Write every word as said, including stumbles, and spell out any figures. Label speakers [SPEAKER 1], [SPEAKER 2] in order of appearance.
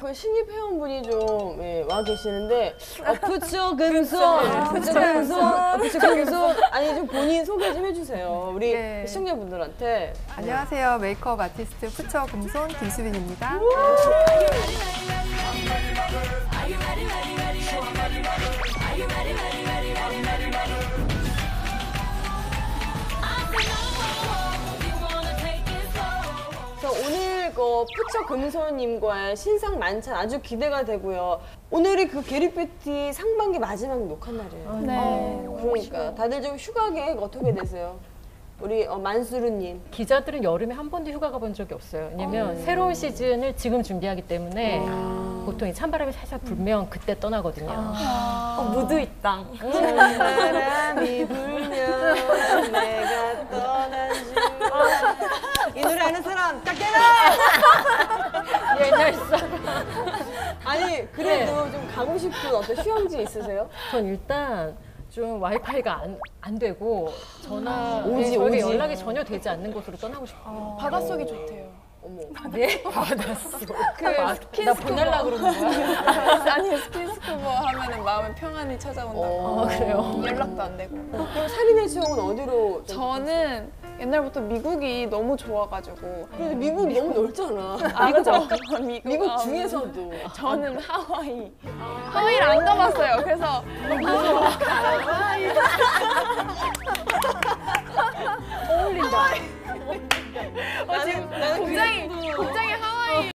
[SPEAKER 1] 그 신입 회원분이 좀 예, 와 계시는데 어, 부처 금손, 부처 금손, 부처 금손. 아니 좀 본인 소개 좀 해주세요. 우리
[SPEAKER 2] 네.
[SPEAKER 1] 시청자분들한테.
[SPEAKER 2] 안녕하세요. 메이크업 아티스트 푸처 금손 김수빈입니다.
[SPEAKER 1] 오늘 그 푸처 금손님과의 신상 만찬 아주 기대가 되고요. 오늘이 그 게리피티 상반기 마지막 녹화 날이에요.
[SPEAKER 3] 네.
[SPEAKER 1] 어, 그러니까 다들 좀 휴가 계획 어떻게 되세요? 우리 어, 만수르님.
[SPEAKER 4] 기자들은 여름에 한 번도 휴가 가본 적이 없어요. 왜냐면
[SPEAKER 1] 어.
[SPEAKER 4] 새로운 시즌을 지금 준비하기 때문에
[SPEAKER 1] 아.
[SPEAKER 4] 보통 이 찬바람이 살짝 불면 그때 떠나거든요.
[SPEAKER 3] 아. 어, 무드 있당.
[SPEAKER 1] 찬바람이 불면 내가 떠난 줄. 이 노래 아는 사람 딱 깨라!
[SPEAKER 4] 옛날 사람.
[SPEAKER 1] 아니 그래도 좀 가고 싶은 어떤 휴양지 있으세요?
[SPEAKER 4] 전 일단 좀 와이파이가 안, 안 되고 전화
[SPEAKER 1] 오지,
[SPEAKER 4] 저에게
[SPEAKER 1] 오지.
[SPEAKER 4] 연락이 전혀 되지 않는 곳으로 떠나고 싶어요.
[SPEAKER 3] 바닷속이 좋대요.
[SPEAKER 1] 어머.
[SPEAKER 4] 네? 받았어.
[SPEAKER 3] 그
[SPEAKER 4] 나
[SPEAKER 3] 스킨스쿠버.
[SPEAKER 4] 보내려고 그러는 거야?
[SPEAKER 3] 아니 스킨스쿠버 하면은 마음에 평안이 찾아온다고.
[SPEAKER 1] 어,
[SPEAKER 4] 아, 그래요?
[SPEAKER 3] 연락도 안 되고.
[SPEAKER 1] 그럼 살인의 추억은 어디로? 좀
[SPEAKER 3] 저는 옛날부터 미국이 너무 좋아가지고.
[SPEAKER 1] 근데 미국 너무 넓잖아.
[SPEAKER 3] 아, 그죠? 미국,
[SPEAKER 1] 미국
[SPEAKER 3] 아,
[SPEAKER 1] 중에서도.
[SPEAKER 3] 저는 하와이. 하와이를 안 가봤어요. 그래서